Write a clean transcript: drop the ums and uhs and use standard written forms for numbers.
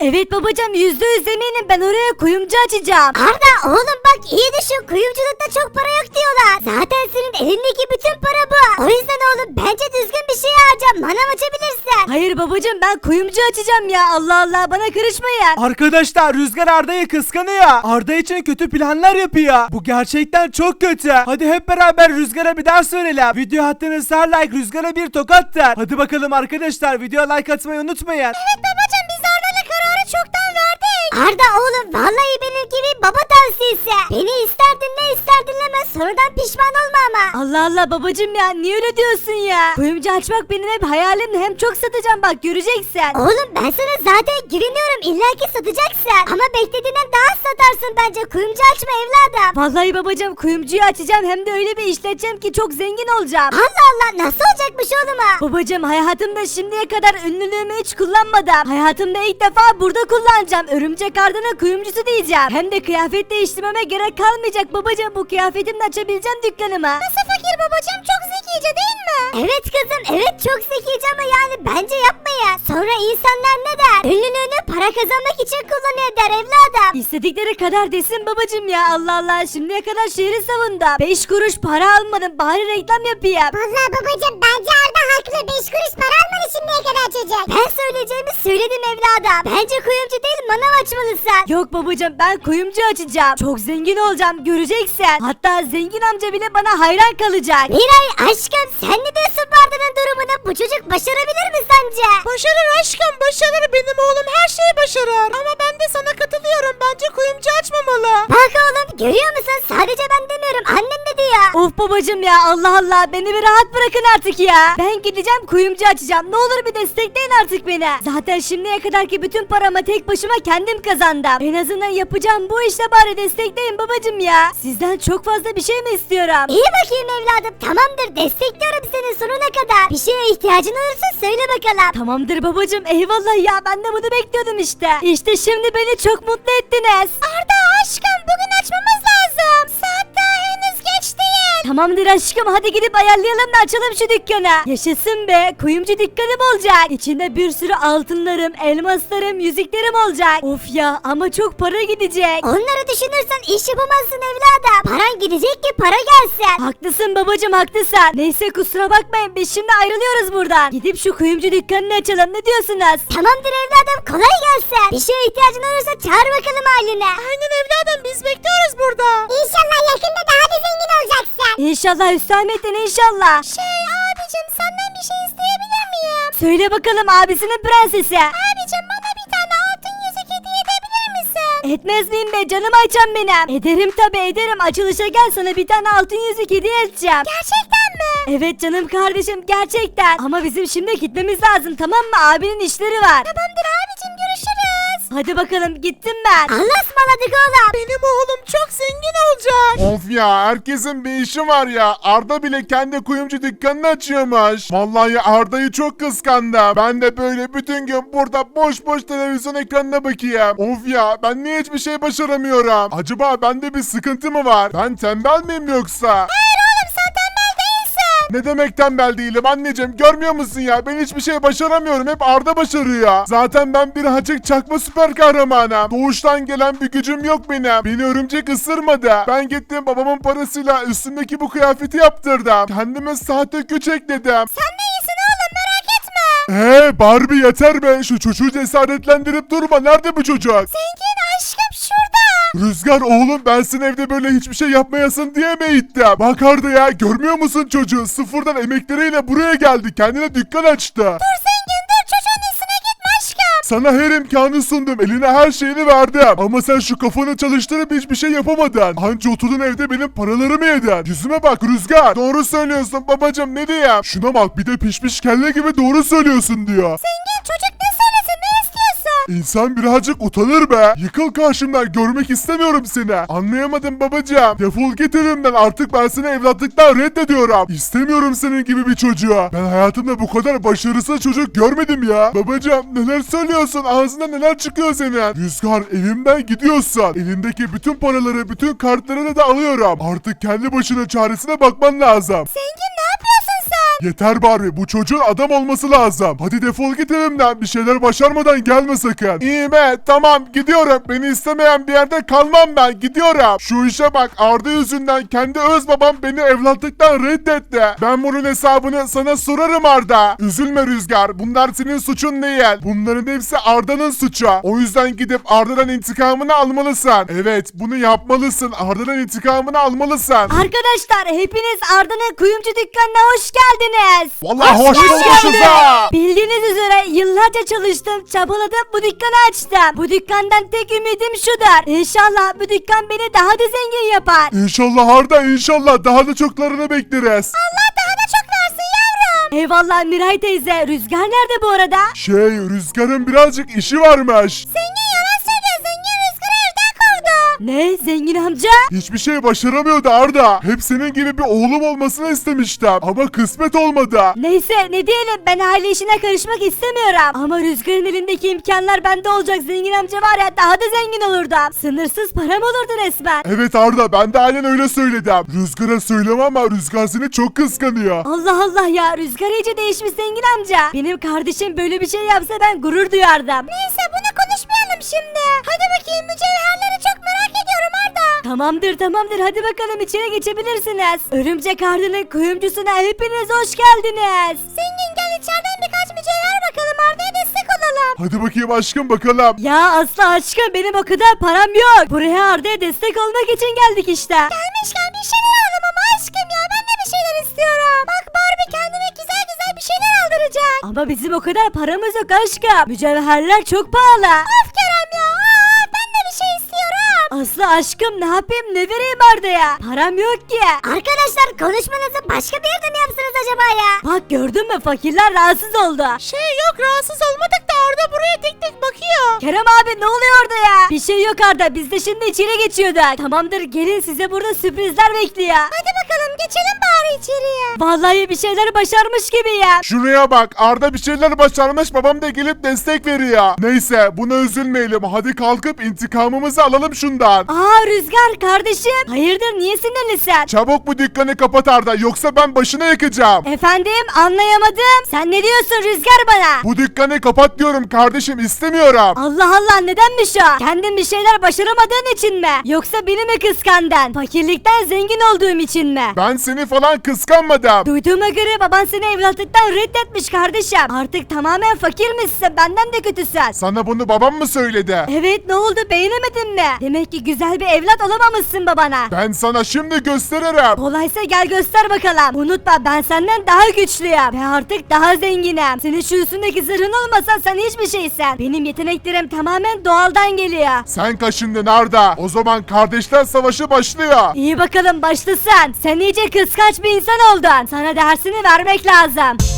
Evet babacığım, %100 eminim, ben oraya kuyumcu açacağım. Arda oğlum bak iyi düşün, kuyumculukta çok para yok diyorlar. Zaten senin elindeki bütün para bu. O yüzden oğlum bence düzgün bir şey harca, manav açabilirsin. Hayır babacığım, ben kuyumcu açacağım ya, Allah Allah, bana karışmayın. Arkadaşlar Rüzgar Arda'yı kıskanıyor. Arda için kötü planlar yapıyor. Bu gerçekten çok kötü. Hadi hep beraber Rüzgar'a bir ders verelim. Video attığınız her like Rüzgar'a bir tokattır. Hadi bakalım arkadaşlar, videoya like atmayı unutmayın. Evet babacığım, biz Arda'yla kararı çoktan verdik. Arda oğlum vallahi benim gibi baba tavsiyesi. Beni ister dinle ister dinleme, sonradan pişman olma ama. Allah Allah babacığım ya, niye öyle diyorsun ya? Kuyumcu açmak benim hep hayalimdi, hem çok satacağım bak, göreceksin. Oğlum ben sana zaten güveniyorum, illaki satacaksın. Ama beklediğinden daha az satarsın bence, kuyumcu açma evladım. Vallahi babacığım, kuyumcuyu açacağım, hem de öyle bir işleteceğim ki çok zengin olacağım. Allah Allah, nasıl olacakmış oğlum ha? Babacığım, hayatımda şimdiye kadar ünlülüğümü hiç kullanmadım. Hayatımda ilk defa burada kullanacağım. Örümcek Arda'nın kuyumcusu diyeceğim. Hem de kıyafet değiştirmeme gerek kalmayacak babacığım. Bu kıyafetimle açabileceğim dükkanımı. Nasıl fakir babacığım, çok zekice değil mi? Evet kızım, evet çok zekice ama yani bence yapmayın. Sonra insanlar ne der? Ünlülüğünü para kazanmak için kullanıyor der evladım. İstedikleri kadar desin babacığım ya, Allah Allah, şimdiye kadar şehri savundum. 5 kuruş para almadım, bari reklam yapayım. Vallahi babacığım bence Arda haklı, 5 kuruş para almadı şimdiye kadar çocuk. Ben söyleyeceğimi söyledim evladım. Bence kuyumcu değil manav açmalısın. Yok babacığım, ben kuyumcu açacağım. Çok zengin olacağım, göreceksin. Hatta zengin amca bile bana hayran kalacak. Miray aşkım, sen ne diyorsun bu Arda'nın durumuna? Bu çocuk başarabilir mi sence? Başarır aşkım, başarır. Benim oğlum her şeyi başarır. Ama ben de sana katılıyorum. Bence kuyumcu açmamalı. Bak oğlum, görüyor musun? Sadece ben demiyorum, annem de diyor. Of babacığım ya, Allah Allah, beni bir rahat bırakın artık ya. Ben gideceğim kuyumcu açacağım, ne olur bir destekleyin artık beni. Zaten şimdiye kadarki bütün paramı tek başıma kendim kazandım. En azından yapacağım bu işte, bari destekleyin babacığım ya. Sizden çok fazla bir şey mi istiyorum? İyi bakayım evladım, tamamdır, destekliyorum seni sonuna kadar. Bir şeye ihtiyacın olursa söyle bakalım. Tamamdır babacığım, eyvallah ya, ben de bunu bekliyordum işte. İşte şimdi beni çok mutlu ettiniz. Arda aşkım, bugün açmamız lazım. Saat daha henüz geç değil. Tamamdır aşkım, hadi gidip ayarlayalım da açalım şu dükkanı. Yaşasın be, kuyumcu dükkanım olacak. İçinde bir sürü altınlarım, elmaslarım, yüzüklerim olacak. Of ya, ama çok para gidecek. Onları düşünürsen iş yapamazsın evladım. Paran gidecek ki para gelsin. Haklısın babacığım, haklısın. Neyse, kusura bakmayın, biz şimdi ayrılıyoruz buradan. Gidip şu kuyumcu dükkanını açalım, ne diyorsunuz? Tamamdır evladım, kolay gelsin. Bir şeye ihtiyacın olursa çağır bakalım ailene. Aynen evladım, biz bekliyoruz burada. İnşallah yakında daha da zengin olacaksın. İnşallah Hüsamettin, inşallah. Abicim, senden bir şey isteyebilir miyim? Söyle bakalım abisinin prensesi. Abicim, bana bir tane altın yüzük hediye edebilir misin? Etmez miyim be canım ayçam benim. Ederim tabi ederim, açılışa gel, sana bir tane altın yüzük hediye edeceğim. Gerçekten mi? Evet canım kardeşim, gerçekten. Ama bizim şimdi gitmemiz lazım, tamam mı? Abinin işleri var. Tamamdır abicim, görüşürüz. Hadi bakalım, gittim ben. Allah'a ısmarladık oğlum. Benim oğlum çok zengin olacak. Of ya, herkesin bir işi var ya. Arda bile kendi kuyumcu dükkanını açıyormuş. Vallahi Arda'yı çok kıskandım. Ben de böyle bütün gün burada boş boş televizyon ekranına bakayım. Of ya, ben niye hiçbir şey başaramıyorum? Acaba bende bir sıkıntı mı var? Ben tembel miyim yoksa? Hayır oğlum, sen tembel değilsin. Ne demek tembel değilim anneciğim, görmüyor musun ya? Ben hiçbir şey başaramıyorum, hep Arda başarıyor. Zaten ben birazcık çakma süper kahramanım. Doğuştan gelen bir gücüm yok benim. Beni örümcek ısırmadı. Ben gittim babamın parasıyla üstümdeki bu kıyafeti yaptırdım. Kendime sahte güç ekledim. Sen de iyisin oğlum, merak etme. Barbie yeter be, şu çocuğu cesaretlendirip durma. Nerede bu çocuk? Zengin aşkım şurada. Rüzgar oğlum, ben seni evde böyle hiçbir şey yapmayasın diye mi ittim? Bak Arda ya, görmüyor musun çocuğu? Sıfırdan emekleriyle buraya geldi. Kendine dükkan açtı. Dur zengin dur, çocuğun üstüne gitme aşkım. Sana her imkanı sundum. Eline her şeyini verdim. Ama sen şu kafanı çalıştırıp hiçbir şey yapamadın. Anca oturdun evde benim paralarımı yedin. Yüzüme bak Rüzgar. Doğru söylüyorsun babacım, ne diyeyim? Şuna bak, bir de pişmiş kelle gibi doğru söylüyorsun diyor. Zengin çocuk ne söylesin, ne istiyorsun? İnsan birazcık utanır be. Yıkıl karşımdan, görmek istemiyorum seni. Anlayamadım babacığım. Defol git evimden, artık ben seni evlatlıktan reddediyorum. İstemiyorum senin gibi bir çocuğu. Ben hayatımda bu kadar başarısız çocuk görmedim ya. Babacığım neler söylüyorsun? Ağzından neler çıkıyor senin? Rüzgar, evimden gidiyorsun. Elindeki bütün paraları, bütün kartlarını da alıyorum. Artık kendi başına çaresine bakman lazım. Zengin ne yapıyorsun sen? Yeter Barbie, bu çocuğun adam olması lazım. Hadi defol git evimden, bir şeyler başarmadan gelme sakın. İyi be, tamam gidiyorum. Beni istemeyen bir yerde kalmam ben, gidiyorum. Şu işe bak, Arda yüzünden kendi öz babam beni evlatlıktan reddetti. Ben bunun hesabını sana sorarım Arda. Üzülme Rüzgar, bunlar senin suçun değil. Bunların hepsi Arda'nın suçu. O yüzden gidip Arda'dan intikamını almalısın. Evet, bunu yapmalısın. Arda'dan intikamını almalısın. Arkadaşlar hepiniz Arda'nın kuyumcu dükkanına hoş geldiniz. Vallahi hoş bulmuşuz ha. Bildiğiniz üzere yıllarca çalıştım, çabaladım, bu dükkanı açtım. Bu dükkandan tek ümidim şudur. İnşallah bu dükkan beni daha da zengin yapar. İnşallah Arda, inşallah daha da çoklarını bekleriz. Allah daha da çok versin yavrum. Eyvallah Miray teyze. Rüzgar nerede bu arada? Rüzgar'ın birazcık işi varmış. Zengin yalan söylüyor. Zengin Rüzgar'ı evden kovdu. Ne? Zengin amca? Hiçbir şey başaramıyordu Arda. Hep senin gibi bir oğlum olmasını istemiştim. Ama kısmet olmadı. Neyse ne diyelim, ben aile işine karışmak istemiyorum. Ama Rüzgar'ın elindeki imkanlar bende olacak. Zengin amca var ya, daha da zengin olurdum. Sınırsız param olurdu resmen. Evet Arda, ben de aynen öyle söyledim. Rüzgar'a söyleme ama Rüzgar seni çok kıskanıyor. Allah Allah ya, Rüzgar iyice değişmiş zengin amca. Benim kardeşim böyle bir şey yapsa ben gurur duyardım. Neyse bunu konuşmayalım şimdi. Hadi bakayım, mücevherleri çok merak ediyorum Arda. Tamamdır hadi bakalım içeri geçebilirsiniz. Örümcek Arda'nın kuyumcusuna hepiniz hoş geldiniz. Zengin gel içeriden birkaç mücevher bakalım, Arda'ya destek olalım. Hadi bakayım aşkım, bakalım. Ya Aslı aşkım, benim o kadar param yok. Buraya Arda'ya destek olmak için geldik işte. Gelmişken bir şeyler alalım ama aşkım ya, ben de bir şeyler istiyorum. Bak Barbie kendine güzel güzel bir şeyler aldıracak. Ama bizim o kadar paramız yok aşkım. Mücevherler çok pahalı. Of Kerem ya, ben de bir şey istiyorum. Aslı aşkım, ne yapayım, ne vereyim Arda'ya? Param yok ki. Arkadaşlar konuşmanızı başka bir yerde mi yapsınız acaba ya? Bak gördün mü, fakirler rahatsız oldu. Yok rahatsız olmadık da Arda buraya tek tek bakıyor. Kerem abi ne oluyor orada ya? Bir şey yok Arda, biz de şimdi içeri geçiyorduk. Tamamdır, gelin, size burada sürprizler bekliyor. Hadi bakalım geçelim bari içeriye. Vallahi bir şeyler başarmış gibi ya. Şuraya bak, Arda bir şeyler başarmış, babam da gelip destek veriyor. Neyse, buna üzülmeyelim. Hadi kalkıp intikamımızı alalım şundan. Aa Rüzgar kardeşim, hayırdır, niye sinirlisin? Çabuk bu dükkanı kapat Arda, yoksa ben başına yakacağım. Efendim, anlayamadım. Sen ne diyorsun Rüzgar bana? Bu dükkanı kapat diyorum kardeşim, istemiyorum. Allah Allah, nedenmiş o? Kendin bir şeyler başaramadığın için mi? Yoksa beni mi kıskandın? Fakirlikten zengin olduğum için mi? Ben seni falan kıskanmadım. Duyduğuma göre baban seni evlatlıktan reddetmiş kardeşim. Artık tamamen fakirmişsin, benden de kötüsün. Sana bunu babam mı söyledi? Evet, ne oldu, beğenemedin mi? Demek ki güzel bir evlat olamamışsın babana. Ben sana şimdi gösteririm. Kolaysa gel göster bakalım. Unutma, ben senden daha güçlüyüm ve artık daha zenginim. Senin şu üstündeki zırhın olmasa sen hiçbir şeysin. Benim yeteneklerim tamamen doğaldan geliyor. Sen kaşındın Arda. O zaman kardeşler savaşı başlıyor. İyi bakalım, başlasın. Sen iyice kıskanç bir insan oldun. Sana dersini vermek lazım.